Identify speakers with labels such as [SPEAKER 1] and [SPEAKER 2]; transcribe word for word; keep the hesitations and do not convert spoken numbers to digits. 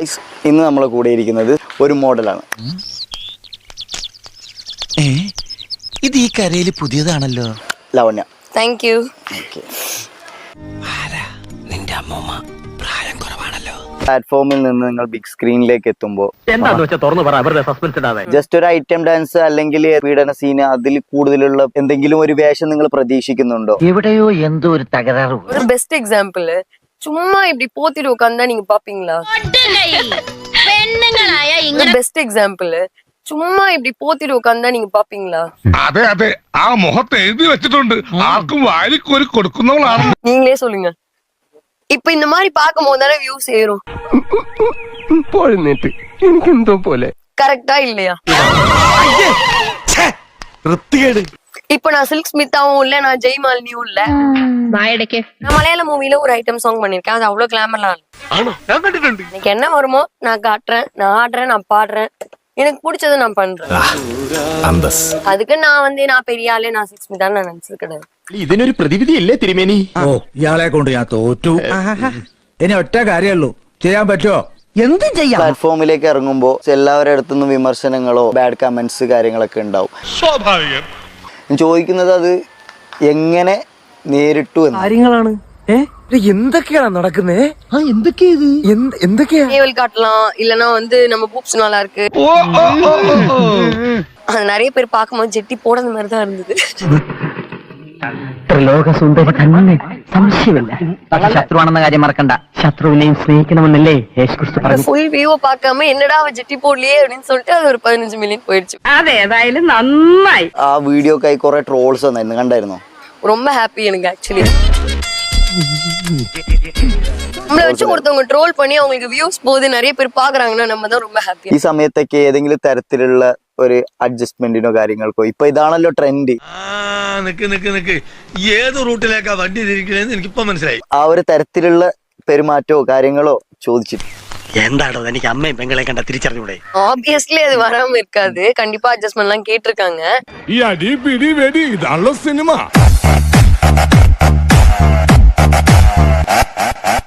[SPEAKER 1] Guys, ഇന്ന് നമ്മളെ കൂടെ ഇരിക്കുന്നത് ഒരു മോഡലാണ്.
[SPEAKER 2] ഇത് ഈ കരയിൽ പുതിയതാണല്ലോ.
[SPEAKER 1] ലവണ്യ.
[SPEAKER 3] Thank you.
[SPEAKER 2] നിന്റെ അമ്മൂമ്മ പ്രായം കുറവാണല്ലോ.
[SPEAKER 1] പ്ലാറ്റ്ഫോമിൽ നിന്ന് നിങ്ങൾ ബിഗ് സ്ക്രീനിലേക്ക് എത്തുമ്പോൾ ജസ്റ്റ് ഒരു ഐറ്റം ഡാൻസ് അല്ലെങ്കിൽ പീഡന സീന് അതിൽ കൂടുതലുള്ള എന്തെങ്കിലും ഒരു വേഷം നിങ്ങൾ പ്രതീക്ഷിക്കുന്നുണ്ടോ?
[SPEAKER 4] എവിടെയോ എന്തോ ഒരു തകരാറ്.
[SPEAKER 3] ஒரு பெஸ்ட் எக்ஸாம்பிள், சும்மா இப்படி போத்திட்டு உட்கார்ந்தா நீங்க பாப்பீங்களா?
[SPEAKER 5] പെണ്ണുങ്ങളായ ഇങ്ങനെ
[SPEAKER 3] பெஸ்ட் எக்ஸாம்பிள், சும்மா இப்படி போத்திட்டு உட்கார்ந்தா நீங்க பாப்பீங்களா?
[SPEAKER 6] അതെ അതെ, ആ മുഖത്ത് എഴുതി വെച്ചിട്ടുണ്ട്, ആർക്കും വാരിക്കോരി കൊടുക്കുന്നവളാണ്.
[SPEAKER 3] நீங்களே சொல்லுங்க. இப்ப இந்த மாதிரி பார்க்கும் போது தானே வியூஸ் ஏறும்.
[SPEAKER 7] എനിക്ക് എന്തോ പോലെ
[SPEAKER 3] கரெக்டா இல்லையா? இப்ப நான் சில்க் ஸ்மித்தாவும் இல்ல, நான் ஜெய்மாலினியும் இல்ல.
[SPEAKER 5] വായടക്ക്
[SPEAKER 3] நான் மலையாள மூவில ஒரு ஐட்டம் சாங் பண்ணிருக்கேன். அது அவ்வளவு கிளாமர்லாம் இல்ல. எனக்கு என்ன வருமோ நான் காட்டுறேன், நான் ஆடுறேன், நான் பாடுறேன், எனக்கு பிடிச்சதை நான் பண்றேன். அதுக்கு நான் வந்து நான் பெரிய ஆளு, நான் சில்க் ஸ்மித்தான்னு நான் நினைச்சது கிடையாது.
[SPEAKER 7] ഇതിനൊരു പ്രതിവിധി ഇല്ലേ തിരുമേനി?
[SPEAKER 8] ഓ, ഇയാളെ കൊണ്ട് ഞാൻ തോറ്റു. ഇനി ഒറ്റ കാര്യമുള്ളൂ, ചെയ്യാൻ പറ്റുമോ?
[SPEAKER 4] എന്തും ചെയ്യാം.
[SPEAKER 1] പ്ലാറ്റ്ഫോമിലേക്ക് ഇറങ്ങുമ്പോൾ എല്ലാവരുടെ അടുത്തുനിന്നും വിമർശനങ്ങളോ ബാഡ് കമന്റ്സ് കാര്യങ്ങളൊക്കെ ഉണ്ടാവും.
[SPEAKER 6] സ്വാഭാവികം.
[SPEAKER 1] ഞാൻ ചോദിക്കുന്നത് അത് എങ്ങനെ നേരിട്ടു എന്ന്.
[SPEAKER 8] കാര്യങ്ങളാണ്. എന്തൊക്കെയാണ് നടക്കുന്നേ? എന്തൊക്കെയാ ഇത്? എന്തൊക്കെയാ?
[SPEAKER 3] நேவல் காட்டலாம், இல்லனா வந்து நம்ம பூப்ஸ் நல்லா இருக்கு. அது நிறைய பேர் பார்க்கும்போது ஜெட்டி போடுற மாதிரி தான் இருந்தது.
[SPEAKER 4] ത്രിലോക സുന്ദരി തന്നെ, സംശയമില്ല. പക്ഷെ ശത്രുവാണെന്ന കാര്യം മറക്കണ്ട. ശത്രുവിനെയും സ്നേഹിക്കണമെന്നല്ലേ യേശുക്രിസ്തു പറഞ്ഞു.
[SPEAKER 3] ஃபுல் வியூவை பார்க்காம என்னடா அவ ஜெட்டி போடலையே அப்படின்னு சொல்லிட்டு அது ஒரு பதினஞ்சு மில்லியன் போயிடுச்சு.
[SPEAKER 5] അതേതായാലും നന്നായി.
[SPEAKER 1] ആ വീഡിയോക്കായി കുറെ ട്രോൾസ് വന്നായിരുന്നു, കണ്ടായിരുന്നോ?
[SPEAKER 3] ரொம்ப ஹாப்பி எனக்கு ஆக்சுவலி. நம்மள வச்சு ஒருத்தவங்க ட்ரோல் பண்ணி அவங்களுக்கு வியூஸ் போகுது, நிறைய பேர் பாக்குறாங்கன்னா நம்ம தான் ரொம்ப ஹாப்பி.
[SPEAKER 1] ഈ സമയത്തൊക്കെ ഏതെങ്കിലും തരത്തിലുള്ള ഒരു അഡ്ജസ്റ്റ്മെന്റിനോ കാര്യങ്ങൾക്കോ ഇപ്പൊ ഇതാണല്ലോ ട്രെൻഡ്.
[SPEAKER 6] നിക്ക് നിക്ക് നിക്ക്, ഏത് റൂട്ടിലേക്കാ വണ്ടി തിരിക്കണേന്ന് എനിക്കിപ്പോ മനസ്സിലായി.
[SPEAKER 1] ആ ഒരു തരത്തിലുള്ള പെരുമാറ്റമോ കാര്യങ്ങളോ ചോദിച്ചിട്ട്
[SPEAKER 2] എന്താണോ എനിക്ക് അമ്മയും പെങ്ങളെ കണ്ട തിരിച്ചറിഞ്ഞൂടെ?
[SPEAKER 3] ஆப்வியஸ்லி அது வராம இருக்காது, கண்டிப்பா அட்ஜஸ்ட்மெண்ட் எல்லாம் கேட்டிருக்காங்க.
[SPEAKER 6] ഈ അടി പിടി വെടി ഇതാണല്ലോ സിനിമ.